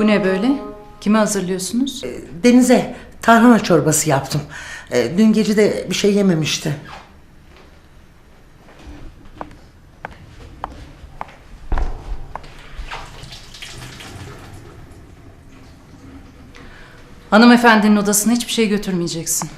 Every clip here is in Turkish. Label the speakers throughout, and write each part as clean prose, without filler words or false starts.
Speaker 1: ne böyle? Kime hazırlıyorsunuz?
Speaker 2: Deniz'e tarhana çorbası yaptım. Dün gece de bir şey yememişti.
Speaker 1: Hanımefendinin odasına hiçbir şey götürmeyeceksin.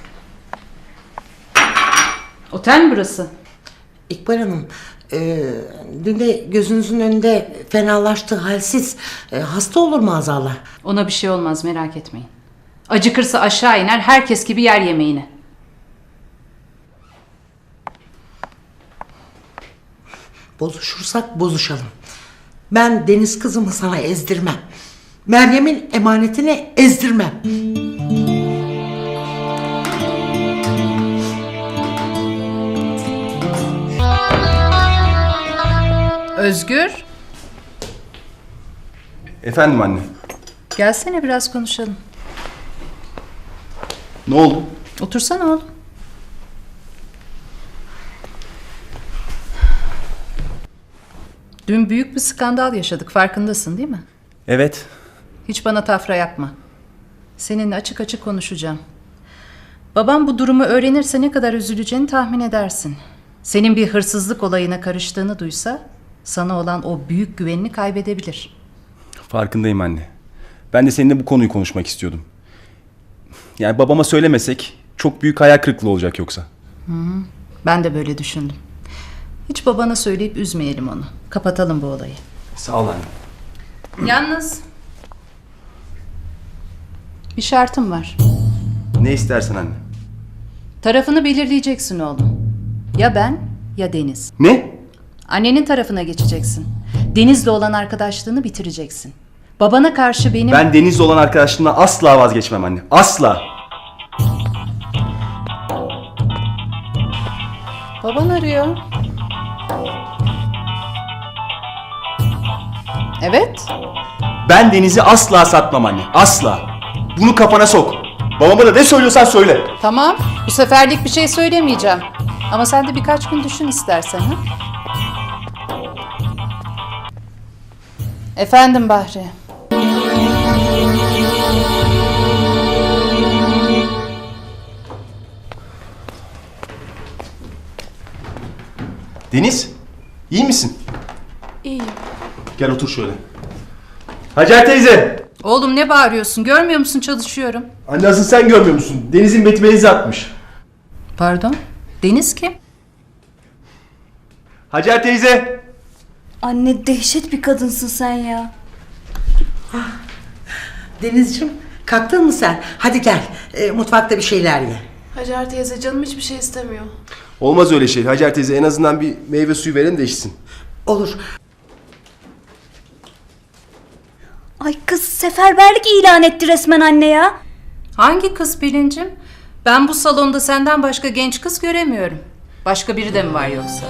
Speaker 1: Otel mi burası?
Speaker 2: İkbal Hanım, dün de gözünüzün önünde fenalaştı, halsiz. Hasta olur maazallah.
Speaker 1: Ona bir şey olmaz, merak etmeyin. Acıkırsa aşağı iner, herkes gibi yer yemeğini.
Speaker 2: Bozuşursak bozuşalım. Ben Deniz kızımı sana ezdirmem. Meryem'in emanetini ezdirmem.
Speaker 1: Özgür,
Speaker 3: Efendim anne.
Speaker 1: gelsene biraz konuşalım.
Speaker 3: Ne oldu?
Speaker 1: Otursana oğlum. Dün büyük bir skandal yaşadık, farkındasın değil mi?
Speaker 3: Evet.
Speaker 1: Hiç bana tafra yapma. Seninle açık açık konuşacağım. Babam bu durumu öğrenirse ne kadar üzüleceğini tahmin edersin. Senin bir hırsızlık olayına karıştığını duysa sana olan o büyük güvenini kaybedebilir.
Speaker 3: Farkındayım anne. Ben de seninle bu konuyu konuşmak istiyordum. Yani babama söylemesek çok büyük hayal kırıklığı olacak yoksa.
Speaker 1: Ben de böyle düşündüm. Hiç babana söyleyip üzmeyelim onu. Kapatalım bu olayı.
Speaker 3: Sağ ol anne.
Speaker 1: Yalnız bir şartım var.
Speaker 3: Ne istersen anne.
Speaker 1: Tarafını belirleyeceksin oğlum. Ya ben ya Deniz.
Speaker 3: Ne?
Speaker 1: Annenin tarafına geçeceksin. Deniz'le olan arkadaşlığını bitireceksin. Babana karşı benim...
Speaker 3: Ben Deniz'le olan arkadaşlığımdan asla vazgeçmem anne. Asla.
Speaker 1: Baban arıyor. Evet.
Speaker 3: Ben Deniz'i asla satmam anne. Asla. Bunu kafana sok. Babama da ne söylüyorsan söyle.
Speaker 1: Tamam. Bu seferlik bir şey söylemeyeceğim. Ama sen de birkaç gün düşün istersen. Ha? Efendim Bahri.
Speaker 3: Deniz, iyi misin?
Speaker 4: İyiyim.
Speaker 3: Gel otur şöyle. Hacer teyze.
Speaker 1: Oğlum ne bağırıyorsun? Görmüyor musun çalışıyorum?
Speaker 3: Anne asıl sen görmüyor musun? Deniz'in betmenizi atmış.
Speaker 1: Pardon? Deniz kim?
Speaker 3: Hacer teyze.
Speaker 4: Anne dehşet bir kadınsın sen ya.
Speaker 2: Denizciğim, kalktın mı sen? Hadi gel, mutfakta bir şeyler ye.
Speaker 5: Hacer teyze canım hiçbir şey istemiyor.
Speaker 3: Olmaz öyle şey. Hacer teyze en azından bir meyve suyu verin de içsin.
Speaker 2: Olur.
Speaker 4: Ay kız seferberlik ilan etti resmen anne ya.
Speaker 1: Hangi kız Pelin'cim? Ben bu salonda senden başka genç kız göremiyorum. Başka biri de mi var yoksa?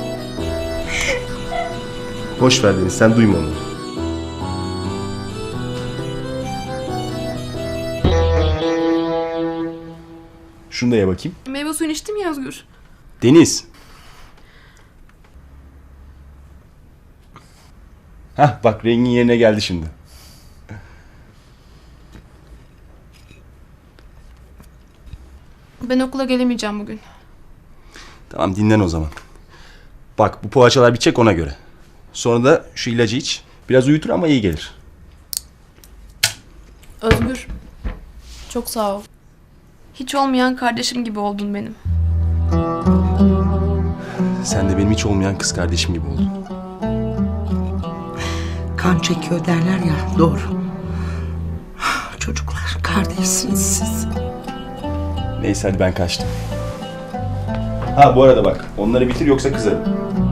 Speaker 3: Boş ver Deniz, sen duyma onu. Şunu da ye bakayım.
Speaker 5: Meyve suyunu içtim ya Özgür.
Speaker 3: Deniz. Hah bak rengin yerine geldi şimdi.
Speaker 5: Ben okula gelemeyeceğim bugün.
Speaker 3: Tamam dinlen o zaman. Bak bu poğaçalar bitecek ona göre. Sonra da şu ilacı iç. Biraz uyutur ama iyi gelir.
Speaker 5: Özgür. Çok sağ ol. Hiç olmayan kardeşim gibi oldun benim.
Speaker 3: Sen de benim hiç olmayan kız kardeşim gibi oldun.
Speaker 2: Kan çekiyor derler ya, doğru. Çocuklar, kardeşsiniz siz.
Speaker 3: Neyse hadi ben kaçtım. Ha bu arada bak onları bitir yoksa kızarım.